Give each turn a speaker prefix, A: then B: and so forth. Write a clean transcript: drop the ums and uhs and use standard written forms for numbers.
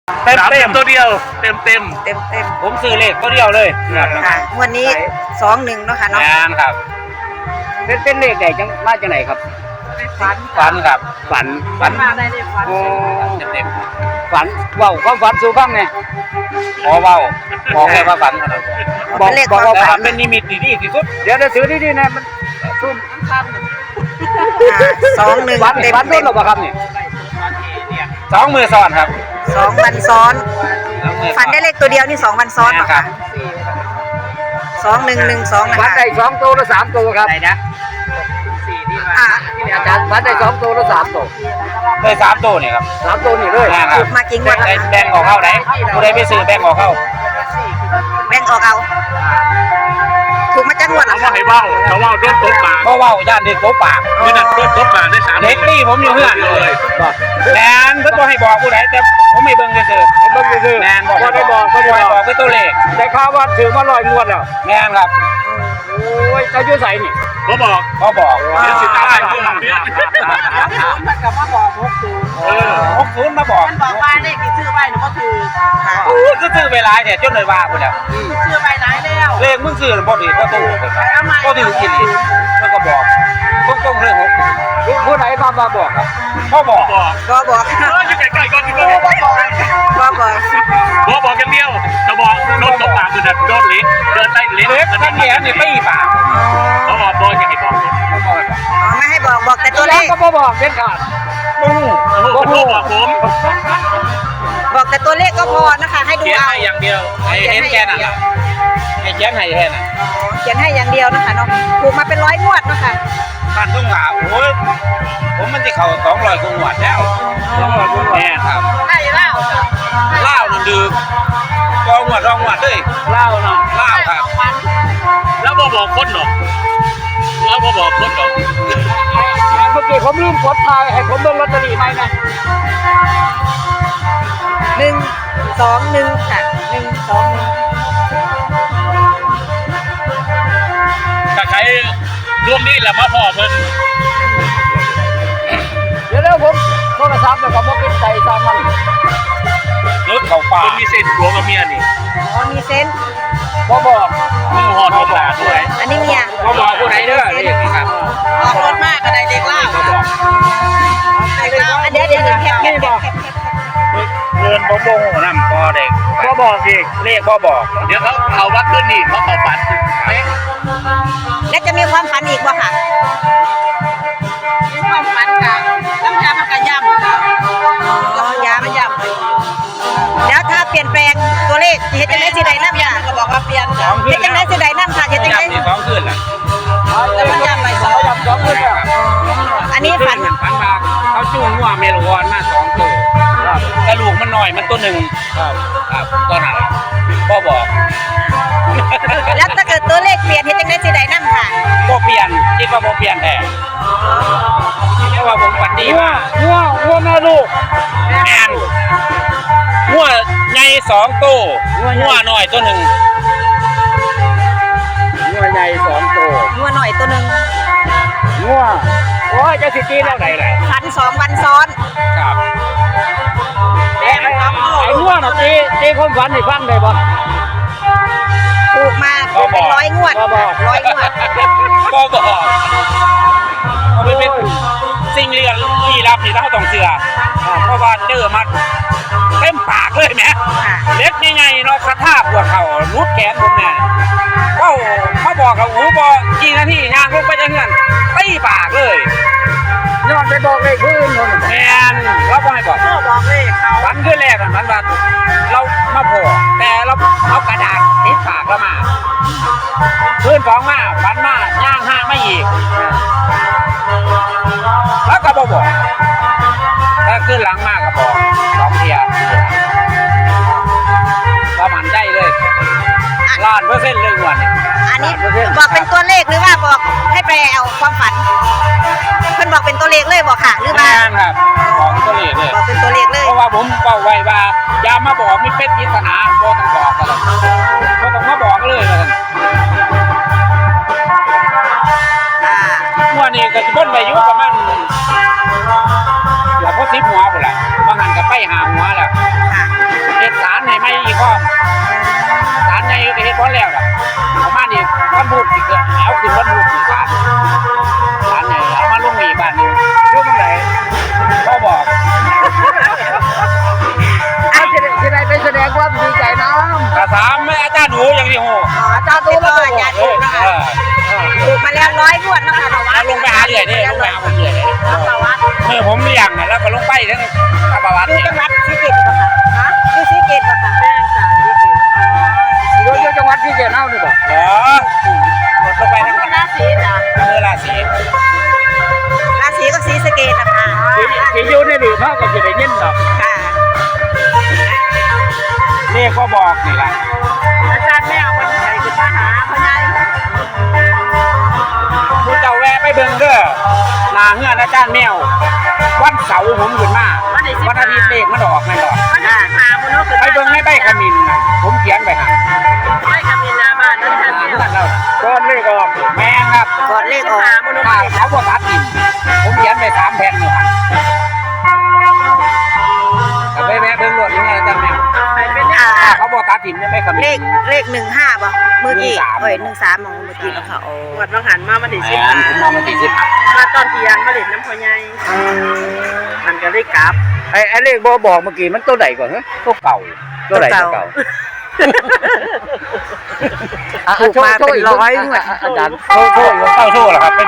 A: เต็มตัวเดียวเต็ม
B: ผมซื้อเลขตัวเดียวเลย
C: ค่ะวันนี้21เนาะค่ะเนาะ
B: งานครับเป็นเลขใดจังมาจากไหนครับฝันครับฝัน
A: มาได้เลยฝัน
B: เต็มฝันว้าวความฝันสู่ฟังไงว้าวบอกแค่ว่าฝันขนาดบอกว่าฝันเป็นนิมิตดีที่สุดเดี๋ยวจะซื้อดีๆนะมันซุ่ม
C: 21
B: ฝัน
C: เต็ม
B: ฝันโดนหรอครับนี่2 มือซ้อนครับ
C: 2วันซ้อนฝันได้เลขตัวเดียวนี่2วันซ้อนเหรอคะ2112นะ
B: ฝัน
C: คะ
B: ได้2ตัวหรือ3ตัวครับไหนนะอาจารย์ฝันได้2ตัวหรือ3ตัวเลย3ตัวนี่ครับ3ตัวนี่เลย
C: ถูกมากี่งวดแล้วคะ
B: แบ่งออกเข้าไหนผู้ใดไปซื้อแบ่งออกเข้า
C: แบ่งออกเอาถูกมาจักงวดแล้ว
A: เขาให้เว้าเขาเว้าโดนตบปาก
B: เพราะว่าย่านเด็กโตปาก
A: นี่นั่นโดนตบปากได้3
B: เด็กนี่ผมอยู่เพื่อนเลยแมนเพิ่นบ่ให้บอกผู้ใดแต่ผมไม่เบิ่งซื่อๆเบิ่งซื่อๆแมนบอกได้บอกก็บอกเป็นตัวเลขได้ข่าวว่าถือมา100งวดแล้วแมนครับโอ้ยเจ้าอยู่ไสนี่
A: เขาบอก
B: เขาบอก
A: เดี๋ยวสิตายเขาบอก
C: มัน
A: เนี่ย
C: ก็มาบอก60
B: 60มาบอก
C: มันบอกว่าเลขที่ซื้อไว้หนูก็ถือค่ะ
B: โอ้ซื้อไปหลายเนี่ยจนเลยว่าพุ่นแล้ว
C: ซื้อไว้หลายแล้ว
B: เลขมึงซื้อบ่ถือบ่ถูกก็ถือกินมันก็บอกตรงๆเรื่อง60ผู้ใดมาบอกครับเขาบอก
C: ก็บอก
A: อยู่ใกล้ๆก่อนอยู่
C: ก็บอก
A: บอกอย่างเดียวจะบอกโดนตบปากคือโดนเล็กเดินได้เล็ก
B: เล็กกันแหนนี่ไม่ปาก
A: เขาบอกบอยจะให้บอก
C: ไม่ให้บอกแต่ตัวเลข
B: ก็บอกเด็ดขาด
A: บอกผม
C: บอกแต่ตัวเลขก็พอนะคะให้ดู
B: เขียน
C: เอา
B: ให้อย่างเดียวให้เห็นแค่นั้นให้เขียนให้แค่นั้น
C: เขียนให้อย่างเดียวนะคะเนาะถูกมาเป็น100งวดนะคะ
B: บ้านทุ่งหาโอ้ยผมมันจะเข้า200กว่าหวดแล้ว200กว่าแน่ครับ
C: ใช่แล้ว
B: เล่านั่นดื้อรองหวดเลยเล่าเนาะเล่าครับ
A: แล้วบอกคนหรอแล้วบอกคนหรอ
B: เมื่อกี้ผมลืมกดทายให้ผมเบิ่งลอตเตอรี่ไหมนะ
C: 121ค่ะ121
A: ถ้าใครร่วมนี่แหละมาพ่อเพิ่น
B: เดี๋ยวผมโทรศัพท์แล้วก็บ่เป็นใจตามมันรถเข้าป่า
A: คนมีเส้นหัวกับเมียนี่
C: อ๋อมีเซน
B: บ่บอก
A: มือหอดบอกด้วย
C: อันนี้เมีย
B: บ่บอกผู้ใดเด้อนี่ครับ
C: ออกรถมากก็ได้เด็กเล่า
B: บ่บอก
C: อันเดี๋ยวแคบ
A: เงินบ่โมโหนำพอเด็กบ่บอกอีก
B: เลขบ่บอก
A: เดี๋ยวเขาวัดขึ้นนี่เขาฝันเป๊ะ
C: และจะมีความฝันอีกบ่ค่ะมีความฝันค่ะต้องย้ำมันก็ย้ำค่ะย้ำแล้วถ้าเปลี่ยนแปลงตัวเลขเฮ็ดจังได๋สิได้นำค่ะก็บอกว่าเปลี่ยนค่ะเฮ็ดจังได๋สิได้นำค่ะเฮ็ดจังได๋
B: ที่2คืนล่ะ
C: แล้วมันย้ำไป2คืนอันนี้ฝัน
B: ฝันมาเขาจูงงัวเมลวอนมา2ตัวแต่ลูกมันน้อยมันตัวหนึ่งครับก็นั่นบ่บอก
C: แล้วถ้าเกิดตัวเลขเปลี่ยนเฮ็ดจังได๋สิได้นำค่ะ
B: บ่เปลี่ยนคิดว่าบ่เปลี่ยนแท้เพราะว่าผมฝันดีมากงัวแม่ลูกแม่นงัวใหญ่2ตัวงัวน้อยตัวหนึ่งงัวใหญ่2ตัว
C: งัวหน่อยตัวนึง
B: งัวโอ้ยจะสิตีแล้วไหนล่ะ
C: ฝัน2วันซ้อน
B: ครับ
C: ไอ้
B: งัวน่ะตีความฝันให้ฟังได้บ่
C: ถูกมาเป็น100งวด100งวด
B: บ่บอกมันเป็นสิ่งลี้ลับที่เราต้องเชื่อเพราะว่าเจอมาเต็มปากเลยแหม
C: ค่ะ
B: เล็กใหญ่ๆเนาะกระทาปวดเข่ารุดแขนผมเนี่ยเขามาบอกกับหูบอกี่นาทีย่างลงไปจะเงื่อนตีปากเลยย้อนไปบอกเลยพื้นแมนเราบ่ให้บอก
C: บอกเลขเขา
B: วันขึ้นแรกมันว่าเรามาพอแต่เราเอากระดาษติดปากเรามาพื้น2มาฝันมาย่าง5ไม่อีกแล้วก็บอกถ้าขึ้นหลังมากก็บอก2เทียก็มันได้เลย1,000,000%เลยวันนี้
C: อันนี้บอกเป็นตัวเลขหรือว่าบอกให้ไปเอาความฝันเพิ่นบอกเป็นตัวเลขเลยบอกค่ะหรือว่า
B: ครับบอกตัวเลขเลย
C: บอกเป็นตัวเลขเลย
B: เพราะว่าผมบอกไว้ว่าอย่ามาบอกมีเพชรปริศนาบ่ต้องบอกกันเลยบ่ต้องมาบอกเลยว่าซั่นวันนี้ก็สิบ่นไปอยู่ประมาณอย่าพอ10หัวพุ่นล่ะบางหันก็ไป5หัวแล้ว
C: ค่ะ
B: สิเกิดแล้วขึ้นวันพุธที่3เนี่ยเอามาลงอีกบ้านนึง
A: อยู่ตรงไหน
B: เขาบอก
A: จะได้ไปแสดงความดีใจน้ำ
B: กระสามไม่อาจารย์หนูอย่างที่โห
C: อาจารย์ตูมาอาจารย์ถูกนะคะถูกมาแล้ว100งวดนะคะ
B: แล้วลงไปหาเรื่อยนี่ลงไปหาผมเรื่อยนี่เมื่อผมเลี้ยงน่ะแล้วก็ลงไปทั้งข้าบวัด
C: อยู่
B: เนี่ย
C: จังหวัดศรีเกตบ่ค่ะฮะอยู่ศรีเกตบ่ค่ะแม่จ้ะศรีเกต
A: อยู่จังหวัดที่เจริญนี่บ่
B: เหรอหมดลงไปทั้ง
C: ราศีจ้ะ
B: เมื่อราศี
C: ราศีก็ศรีสะเกตนะคะ
A: ที่อยู่ในหลืมเขาก็จะได้ยินดอก
C: ค่ะ
B: นี่ก็บอกนี่แหละ
C: อาจารย์แม่เอาคนใส่ขึ้นมาหาเขาได้
B: คุณเจ้าแวะไปเบิ่งเด้อหน้าเฮือนอาจารย์แมววันเสาร์ผมขึ้นมาวันอาทิตย์เลขมันออกแม่นดอก
C: มันจะหามันเนาะ
B: ไปเบิ่งในใบขมิ้นน่ะผมเขียนไปหั่น
C: ไปกับมีนาบ้านนั่น
B: หน้า
C: ค่ะ
B: เฮือนเรา
A: ก้อนเลขออก
B: แม่นครับ
C: ก่อนเลขออก
B: ถ้าเขาบ่ตัดทิ่มผมเขียนไป3แผ่นอยู่หั่นก็ไปแวะเบิ่งรถนี่อาจารย์แมว ถ้าเขาบ่ตัดทิ่มยังไม่ขมิ้น
C: เลข15บ่มื้อกี้
B: 13
C: เอ้ย13ของเมื่อกี้นะคะโอ้
D: วัดบางหันมามันได้สิ
B: แม่นผมมองมาที่10
D: มาตอนเที่ยงมาเล่นน้ำพอใหญ่มันก็ได้กลับ
A: ไอ้เลขบ่บอกเมื่อกี้มันตัวไหนก่อนฮะ
B: ตัวเก่า
A: ตัวไหนตัวเก่า
C: ถูกมาเป็นร้อยงวด
A: อาจารย์
B: โชว์เหรอครับเป็น